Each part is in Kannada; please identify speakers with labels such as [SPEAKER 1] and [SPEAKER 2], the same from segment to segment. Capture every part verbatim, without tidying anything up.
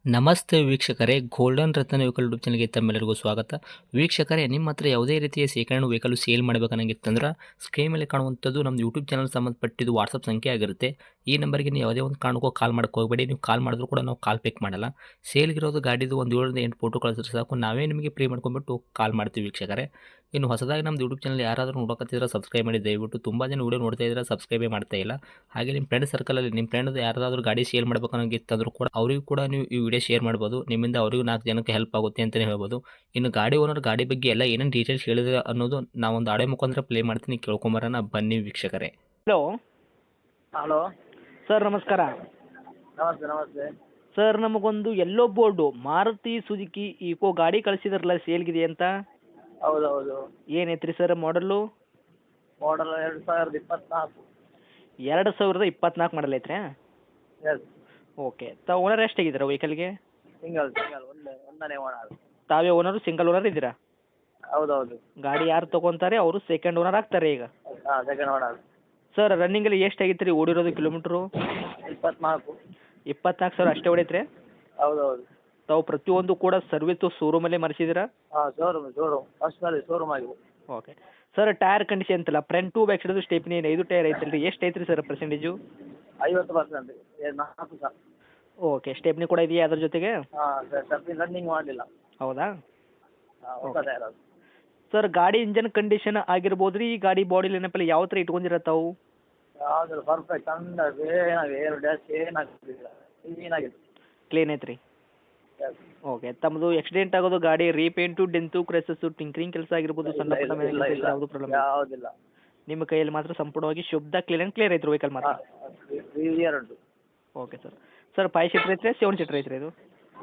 [SPEAKER 1] ನಮಸ್ತೆ ವೀಕ್ಷಕರೇ, ಗೋಲ್ಡನ್ ರತ್ನ ವೆಹಿಕಲ್ ಯೂಟ್ಯೂಬ್ ಚಾನಲ್ಗೆ ತಮ್ಮೆಲ್ಲರಿಗೂ ಸ್ವಾಗತ. ವೀಕ್ಷಕರೇ, ನಿಮ್ಮ ಹತ್ರ ಯಾವುದೇ ರೀತಿಯ ಶೇಖರಣೆ ವೆಹಿಕಲ್ ಸೇಲ್ ಮಾಡಬೇಕನ್ನಂಗಿತ್ತಂದ್ರೆ ಸ್ಕ್ರೀನ್ ಮೇಲೆ ಕಾಣುವಂಥದ್ದು ನಮ್ಮ ಯೂಟ್ಯೂಬ್ ಚಾನಲ್ ಸಂಬಂಧಪಟ್ಟಿದ್ದು ವಾಟ್ಸಪ್ ಸಂಖ್ಯೆ ಆಗಿರುತ್ತೆ. ಈ ನಂಬರ್ಗೆ ನೀವು ಯಾವುದೇ ಒಂದು ಕಾರಣಕ್ಕೂ ಕಾಲ್ ಮಾಡೋಕೆ ಹೋಗಬೇಡಿ. ನೀವು ಕಾಲ್ ಮಾಡಿದ್ರು ಕೂಡ ನಾವು ಕಾಲ್ ಪಿಕ್ ಮಾಡಲ್ಲ. ಸೇಲ್ಗಿರೋದು ಗಾಡಿದು ಒಂದು ಏಳರಿಂದ ಎಂಟು ಫೋಟೋ ಕಳಿಸಿದ್ರೆ ಸಾಕು, ನಾವೇ ನಿಮಗೆ ಪ್ರೀ ಮಾಡ್ಕೊಂಡ್ಬಿಟ್ಟು ಕಾಲ್ ಮಾಡ್ತೀವಿ ವೀಕ್ಷಕರೇ. ಇನ್ನು ಹೊಸದಾಗಿ ನಮ್ಮ ಯೂಟ್ಯೂಬ್ ಚಾನಲ್ ಯಾರಾದರೂ ನೋಡೋಕತ್ತಿದ್ರೆ ಸಬ್ಸ್ಕ್ರೈಬ್ ಮಾಡಿ ದಯವಿಟ್ಟು. ತುಂಬ ಜನ ವೀಡಿಯೋ ನೋಡ್ತಾ ಇದ್ದಾರೆ, ಸಬ್ಸ್ಕ್ರೈಬೇ ಮಾಡ್ತಾ ಇಲ್ಲ. ಹಾಗೆ ನಿಮ್ಮ ಫ್ರೆಂಡ್ ಸರ್ಕಲಲ್ಲಿ ನಿಮ್ಮ ಫ್ರೆಂಡ್ ಯಾರಾದರೂ ಗಾಡಿ ಸೇಲ್ ಮಾಡಬೇಕನ್ನೋಂಗಿತ್ತಂದ್ರೂ ಕೂಡ ಅವರಿಗೂ ಕೂಡ ನೀವು ಈ ವಿಡಿಯೋ ಶೇರ್ ಮಾಡ್ಬೋದು. ನಿಮ್ಮಿಂದ ಅವರಿಗೂ ನಾಲ್ಕು ಜನಕ್ಕೆ ಹೆಲ್ಪ್ ಆಗುತ್ತೆ ಅಂತಲೇ ಹೇಳ್ಬೋದು. ಇನ್ನು ಗಾಡಿ ಓನರ್ ಗಾಡಿ ಬಗ್ಗೆ ಎಲ್ಲ ಏನೇನು ಡೀಟೇಲ್ಸ್ ಹೇಳಿದ್ರೆ ಅನ್ನೋದು ನಾವೊಂದು ಆಡೆ ಮುಖಾಂತರ ಪ್ಲೇ ಮಾಡ್ತೀನಿ, ಕೇಳ್ಕೊಂಬರೋಣ ಬನ್ನಿ ವೀಕ್ಷಕರೇ.
[SPEAKER 2] ಹಲೋ
[SPEAKER 3] ಹಲೋ
[SPEAKER 2] ಸರ್, ನಮಸ್ಕಾರ.
[SPEAKER 3] ನಮಸ್ತೆ ನಮಸ್ತೆ
[SPEAKER 2] ಸರ್, ನಮಗೊಂದು ಎಲ್ಲೋ ಬೋರ್ಡು ಮಾರುತಿ ಸುಜುಕಿ ಈಕೋ ಗಾಡಿ ಕಳಿಸಿದ್ರಲ್ಲ, ಸೇಲ್ಗಿದೆ ಅಂತ.
[SPEAKER 3] ಹೌದು ಹೌದು
[SPEAKER 2] ಏನೈತ್ರಿ ಸರ್ ಮಾಡಲು?
[SPEAKER 3] ಮಾಡಲ್ ಎರಡು ಸಾವಿರದ ಇಪ್ಪತ್ನಾಲ್ಕು.
[SPEAKER 2] ಎರಡು ಸಾವಿರದ ಇಪ್ಪತ್ನಾಲ್ಕು ಮಾಡಲ್ ಐತ್ರಿ?
[SPEAKER 3] ಎಸ್.
[SPEAKER 2] ಓಕೆ. ತಾವು ಓನರ್ ಎಷ್ಟಾಗಿದ್ದೀರಾ ವೆಹಿಕಲ್ಗೆ?
[SPEAKER 3] ಸಿಂಗಲ್ ಸಿಂಗಲ್ ಒಂದೇ ಒಂದನೇ ಓನರ್.
[SPEAKER 2] ತಾವೇ ಓನರು, ಸಿಂಗಲ್ ಓನರ್ ಇದ್ದೀರಾ?
[SPEAKER 3] ಹೌದು ಹೌದು
[SPEAKER 2] ಗಾಡಿ ಯಾರು ತೊಗೊತಾರೆ ಅವರು ಸೆಕೆಂಡ್ ಓನರ್ ಆಗ್ತಾರೆ ಈಗ.
[SPEAKER 3] ಹಾಂ, ಸೆಕೆಂಡ್ ಓನರ್.
[SPEAKER 2] ಸರ್, ರನ್ನಿಂಗಲ್ಲಿ ಎಷ್ಟಾಗಿತ್ತು ರೀ ಓಡಿರೋದು ಕಿಲೋಮೀಟ್ರು?
[SPEAKER 3] ಇಪ್ಪತ್ನಾಲ್ಕು.
[SPEAKER 2] ಇಪ್ಪತ್ನಾಲ್ಕು ಸಾವಿರ ಅಷ್ಟೇ ಹೊಡೈತ್ರಿ?
[SPEAKER 3] ಹೌದು ಹೌದು
[SPEAKER 2] ತಾವು ಪ್ರತಿಯೊಂದು ಕೂಡ ಸರ್ವಿಸು ಶೋರೂಮಲ್ಲೇ ಮಾಡಿಸಿದ್ದೀರಾ?
[SPEAKER 3] ಹಾಂ, ಶೋರೂಮ್ ಶೋರೂಮ್ ಫಸ್ಟ್ನಲ್ಲಿ ಶೋರೂಮ್ ಆಗಿದೆ.
[SPEAKER 2] ಓಕೆ. ಸರ್, ಟೈರ್ ಕಂಡೀಷನ್ ಅಂತಲ್ಲ, front to back side stepney ಐದು ಟೈರ್ ಐತಲ್ರಿ, ಎಷ್ಟು ಐತ್ರಿ ಸರ್ ಪರ್ಸೆಂಟೇಜು?
[SPEAKER 3] ಐವತ್ತು ಪರ್ಸೆಂಟ್ ನಾಲ್ಕು ಸಹ.
[SPEAKER 2] ಓಕೆ. ಸ್ಟೆಪ್ನಿ ಕೂಡ ಇದೆಯಾ ಅದ್ರ ಜೊತೆಗೆ?
[SPEAKER 3] ಹಾಂ ಸರ್, ರನ್ನಿಂಗ್ ಮಾಡಲಿಲ್ಲ.
[SPEAKER 2] ಹೌದಾ?
[SPEAKER 3] ಹಾಂ, ಹೊಸ ಟೈರ್ ಅದು.
[SPEAKER 2] ಸರ್, ಗಾಡಿ ಇಂಜನ್ ಕಂಡೀಷನ್ ಆಗಿರ್ಬೋದು ರೀ, ಈ ಗಾಡಿ ಬಾಡಿ ಲೈನಪ್ಪಲ್ಲಿ ಯಾವ ಥರ ಇಟ್ಕೊಂಡಿರ ತಾವು?
[SPEAKER 3] ಯಾವ್ದು ಪರ್ಫೆಕ್ಟ್ ಅಂದ ಏನಾಗಿದೆ, ಏರು ಡ್ಯಾಶ್ ಏನಾಗಿಲ್ಲ, ಕ್ಲೀನಾಗಿದೆ.
[SPEAKER 2] ಕ್ಲೀನ್ ಐತ್ರಿ?
[SPEAKER 3] ಎಸ್.
[SPEAKER 2] ಓಕೆ. ತಮ್ಮದು ಆಕ್ಸಿಡೆಂಟ್ ಆಗೋದು, ಗಾಡಿ ರೀಪೇಂಟು, ಡೆಂತು, ಕ್ರೆಸಸ್ಸು, ಟಿಂಕ್ರಿಂಗ್ ಕೆಲಸ ಆಗಿರ್ಬೋದು, ಸಣ್ಣ ಪುಟ್ಟ
[SPEAKER 3] ಇಲ್ಲ ಇಲ್ಲ ಇಲ್ಲ
[SPEAKER 2] ಯಾವುದು ಪ್ರಾಬ್ಲಮ್?
[SPEAKER 3] ಯಾವುದಿಲ್ಲ.
[SPEAKER 2] ನಿಮ್ಮ ಕೈಯಲ್ಲಿ ಮಾತ್ರ ಸಂಪೂರ್ಣವಾಗಿ ಶುದ್ಧ ಕ್ಲೀನ್ ಆ್ಯಂಡ್ ಕ್ಲಿಯರ್ ಐತ್ರಿ ವೆಹಿಕಲ್ ಮಾತ್ರ?
[SPEAKER 3] ಕ್ಲಿಯರ್ ಉಂಟು.
[SPEAKER 2] Okay sir. Sir, five seater ಐತ್ರಿ, ಸೆವೆನ್ ಸೀಟ್ರ್ ಐತ್ರಿ ಇದು?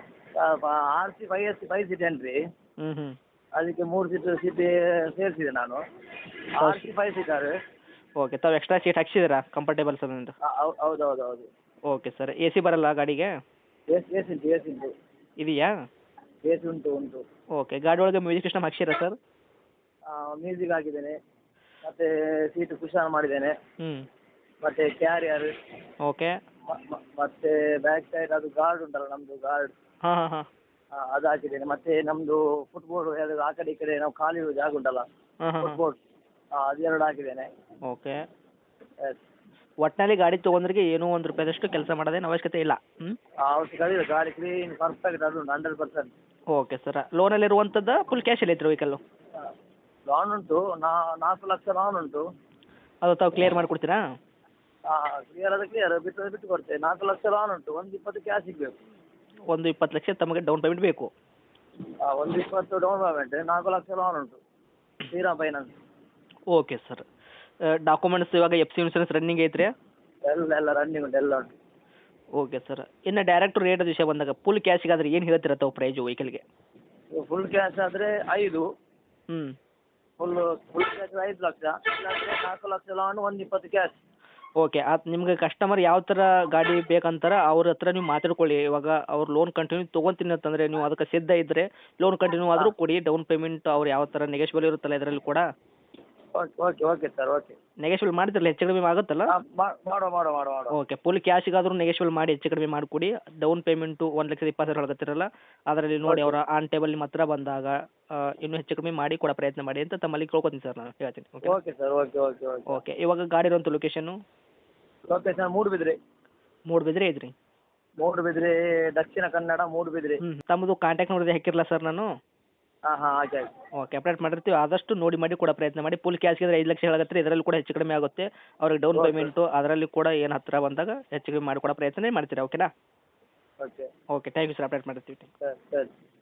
[SPEAKER 3] R C five S C five seat ಏನ್ರಿ,
[SPEAKER 2] ಹ್ಞೂ ಹ್ಞೂ
[SPEAKER 3] ಅದಕ್ಕೆ ಮೂರು ಸೀಟ್ ಸೀಟ್ ಸೇರಿಸಿದೆ ನಾನು. R C five seater.
[SPEAKER 2] Okay. ತಾವು ಎಕ್ಸ್ಟ್ರಾ ಸೀಟ್ ಹಾಕ್ಸಿದ್ದೀರಾ ಕಂಫರ್ಟೇಬಲ್ ಸರ್ ಅಂತ?
[SPEAKER 3] ಹೌದು ಹೌದು ಹೌದು.
[SPEAKER 2] Okay sir. ಎ ಸಿ ಬರಲ್ಲ ಗಾಡಿಗೆ?
[SPEAKER 3] ಎಸ್ ಎಸ್ ಉಂಟು ಎಸ್ ಉಂಟು
[SPEAKER 2] ಇದೆಯಾ?
[SPEAKER 3] ಎ ಸಿ ಉಂಟು ಉಂಟು.
[SPEAKER 2] ಓಕೆ. ಗಾಡಿ ಒಳಗೆ ಮ್ಯೂಸಿಕ್ ಸಿಸ್ಟಮ್ ಹಾಕ್ಸಿರಾ ಸರ್?
[SPEAKER 3] ಮ್ಯೂಸಿಕ್ ಹಾಕಿದ್ದೇನೆ, ಮತ್ತು ಸೀಟ್ ಕುಶನ್ ಮಾಡಿದ್ದೇನೆ,
[SPEAKER 2] ಹ್ಞೂ.
[SPEAKER 3] ಮತ್ತು ಕ್ಯಾರಿಯರ್,
[SPEAKER 2] ಓಕೆ.
[SPEAKER 3] ಮತ್ತು ಬ್ಯಾಕ್ ಸೈಡ್ ಅದು ಗಾರ್ಡ್ ಉಂಟಲ್ಲ ನಮ್ಮದು ಗಾರ್ಡ್,
[SPEAKER 2] ಹಾಂ ಹಾಂ ಹಾಂ
[SPEAKER 3] ಅದು ಹಾಕಿದ್ದೇನೆ. ಮತ್ತು ನಮ್ಮದು ಫುಟ್ಬೋರ್ಡ್ ಎರಡು ಆ ಕಡೆ ಈ ಕಡೆ ನಾವು ಖಾಲಿ ಇರೋ ಜಾಗ ಉಂಟಲ್ಲ,
[SPEAKER 2] ಹಾಂ ಹಾಂ
[SPEAKER 3] ಫುಟ್ಬೋರ್ಡ್, ಅದೆರಡು ಹಾಕಿದ್ದೇನೆ.
[SPEAKER 2] ಓಕೆ.
[SPEAKER 3] ಎಸ್.
[SPEAKER 2] ಒಟ್ಟಿನಲ್ಲಿ ಗಾಡಿ ತೊಗೊಂಡ್ರಿಗೆ ಏನೂ ಒಂದು ರೂಪಾಯಿದಷ್ಟು ಕೆಲಸ ಮಾಡೋದೇನು ಅವಶ್ಯಕತೆ ಇಲ್ಲ? ಹ್ಞೂ.
[SPEAKER 3] ಅವಶ್ಯಕತೆ ಇಲ್ಲ, ಗಾಡಿ ಕ್ಲೀನ್ ಪರ್ಫೆಕ್ಟ್ ಅದು ಉಂಟು, ಹಂಡ್ರೆಡ್ ಪರ್ಸೆಂಟ್.
[SPEAKER 2] Okay sir. ಲೋನಲ್ಲಿ ಇರುವಂಥದ್ದು ಫುಲ್ ಕ್ಯಾಶಲ್ಲಿ ಐತ್ರಿ ವೆಹಿಕಲ್ಲು?
[SPEAKER 3] ಲೋನ್ ಉಂಟು, ನಾಲ್ಕು ಲಕ್ಷ ಲೋನ್ ಉಂಟು.
[SPEAKER 2] ಅದು ತಾವು ಕ್ಲಿಯರ್ ಮಾಡಿಕೊಡ್ತೀರಾ?
[SPEAKER 3] ಹಾಂ, ಕ್ಲಿಯರ್ ಅದು ಕ್ಲಿಯರ್, ಬಿಟ್ಟು ಬಿಟ್ಟು ಕೊಡ್ತೇವೆ. ನಾಲ್ಕು ಲಕ್ಷ ಲೋನ್ ಉಂಟು, ಒಂದು ಇಪ್ಪತ್ತು ಕ್ಯಾಶ್ ಸಿಗಬೇಕು.
[SPEAKER 2] ಒಂದು ಇಪ್ಪತ್ತು ಲಕ್ಷ ತಮಗೆ ಡೌನ್ ಪೇಮೆಂಟ್ ಬೇಕು?
[SPEAKER 3] ಹಾಂ, ಒಂದು ಇಪ್ಪತ್ತು ಡೌನ್ ಪೇಮೆಂಟ್, ನಾಲ್ಕು ಲಕ್ಷ ಲೋನ್ ಉಂಟು, Shriram finance.
[SPEAKER 2] Okay sir. Documents ಇವಾಗ ಎಫ್ ಸಿ ಇನ್ಸೂರೆನ್ಸ್ ರನ್ನಿಂಗ್ ಐತ್ರಿ?
[SPEAKER 3] ಎಲ್ಲ ಎಲ್ಲ ರನ್ನಿಂಗ್ ಉಂಟು, ಎಲ್ಲ ಉಂಟು.
[SPEAKER 2] Okay sir. ಇನ್ನು ಡೈರೆಕ್ಟ್ ರೇಟ್ ವಿಷಯ ಬಂದಾಗ ಫುಲ್ ಕ್ಯಾಶಿಗಾದ್ರೆ ಏನು ಹೇಳ್ತೀರ ತಾವು ಪ್ರೈಜು ವೆಹಿಕಲ್ಗೆ?
[SPEAKER 3] ಫುಲ್ ಕ್ಯಾಶ್ ಆದರೆ ಐದು,
[SPEAKER 2] ಹ್ಞೂ.
[SPEAKER 3] ಫುಲ್ ಫುಲ್ ಕ್ಯಾಶ್ ಐದು ಲಕ್ಷ, ಇಲ್ಲಾಂದರೆ ನಾಲ್ಕು ಲಕ್ಷ ಲೋನ್, ಒಂದು ಇಪ್ಪತ್ತು ಕ್ಯಾಶ್.
[SPEAKER 2] ಓಕೆ. ಅದು ನಿಮ್ಗೆ ಕಸ್ಟಮರ್ ಯಾವ ಥರ ಗಾಡಿ ಬೇಕಂತಾರೆ ಅವ್ರ ಹತ್ರ ನೀವು ಮಾತಾಡ್ಕೊಳ್ಳಿ. ಇವಾಗ ಅವ್ರು ಲೋನ್ ಕಂಟಿನ್ಯೂ ತೊಗೊತೀನಿ ಅಂತಂದರೆ ನೀವು ಅದಕ್ಕೆ ಸಿದ್ಧ ಇದ್ದರೆ ಲೋನ್ ಕಂಟಿನ್ಯೂ ಆದರೂ ಕೊಡಿ. ಡೌನ್ ಪೇಮೆಂಟ್ ಅವ್ರು ಯಾವ ಥರ ನೆಗೆಶ್ಬಲ್ ಇರುತ್ತಲ್ಲ ಇದರಲ್ಲಿ ಕೂಡ?
[SPEAKER 3] Okay okay okay sir, okay.
[SPEAKER 2] Negotiable ಮಾಡ್ತಿರಲ್ಲ, ಹೆಚ್ಚು ಕಡಿಮೆ ಆಗುತ್ತಲ್ಲ?
[SPEAKER 3] ಮಾಡುವ ಮಾಡುವ ಮಾಡುವ ಮಾಡುವ.
[SPEAKER 2] ಓಕೆ. ಫುಲ್ ಕ್ಯಾಶಿಗಾದ್ರೂ ನೆಗೆಶ್ಬಲ್ ಮಾಡಿ ಹೆಚ್ಚು ಕಡಿಮೆ ಮಾಡಿಕೊಡಿ. ಡೌನ್ ಪೇಮೆಂಟು ಒಂದು ಲಕ್ಷದ ಇಪ್ಪತ್ತು ಸಾವಿರ ಹೇಳ್ತಿರಲ್ಲ, ಅದರಲ್ಲಿ ನೋಡಿ ಅವರ ಆನ್ ಟೇಬಲ್ ನಿಮ್ಮ ಹತ್ರ ಬಂದಾಗ ಇನ್ನೂ ಹೆಚ್ಚು ಕಡಿಮೆ ಮಾಡಿ ಕೊಡೋ ಪ್ರಯತ್ನ ಮಾಡಿ ಅಂತ ತಮ್ಮಲ್ಲಿ ಕೇಳ್ಕೊತೀನಿ ಸರ್ ನಾನು ಹೇಳ್ತೀನಿ. Okay
[SPEAKER 3] okay sir, okay okay okay
[SPEAKER 2] okay. ಇವಾಗ ಗಾಡಿ ಇರುವಂಥ ಲೊಕೇಶನ್ನು?
[SPEAKER 3] ಲೊಕೇಶನ್ ಮೂಡುಬಿದ್ರೆ.
[SPEAKER 2] ಮೂಡುಬಿದ್ರೆ ಐತ್ರಿ?
[SPEAKER 3] ಮೂಡುಬಿದ್ರೆ, ದಕ್ಷಿಣ ಕನ್ನಡ, ಮೂಡುಬಿದ್ರೆ.
[SPEAKER 2] ಹ್ಞೂ. ತಮ್ಮದು ಕಾಂಟ್ಯಾಕ್ಟ್ ನೋಡಿದ್ರೆ ಹಾಕಿರಲ್ಲ ಸರ್ ನಾನು?
[SPEAKER 3] ಹಾಂ ಹಾಂ, ಆಯ್ತು ಆಯ್ತು.
[SPEAKER 2] ಓಕೆ. ಅಪ್ಡೇಟ್ ಮಾಡಿರ್ತೀವಿ, ಆದಷ್ಟು ನೋಡಿ ಮಾಡಿ ಕೊಡೋ ಪ್ರಯತ್ನ ಮಾಡಿ. ಫುಲ್ ಕ್ಯಾಶ್ಗಿದ್ರೆ ಐದು ಲಕ್ಷ ಹೇಳಕತ್ತೀರಿ, ಇದರಲ್ಲಿ ಕೂಡ ಹೆಚ್ಚು ಕಡಿಮೆ ಆಗುತ್ತೆ. ಅವ್ರಿಗೆ ಡೌನ್
[SPEAKER 3] ಓಕೆ.
[SPEAKER 2] ಪೇಮೆಂಟು ಅದರಲ್ಲಿ ಕೂಡ ಏನು ಹತ್ತಿರ ಬಂದಾಗ ಹೆಚ್ಚು ಕಡಿಮೆ ಮಾಡಿಕೊಡೋ ಪ್ರಯತ್ನ ಮಾಡ್ತೀರಾ? ಓಕೆನಾ?
[SPEAKER 3] Okay
[SPEAKER 2] okay. Thank you sir, update ಮಾಡಿರ್ತೀವಿ.
[SPEAKER 3] ಸರಿ ಸರಿ.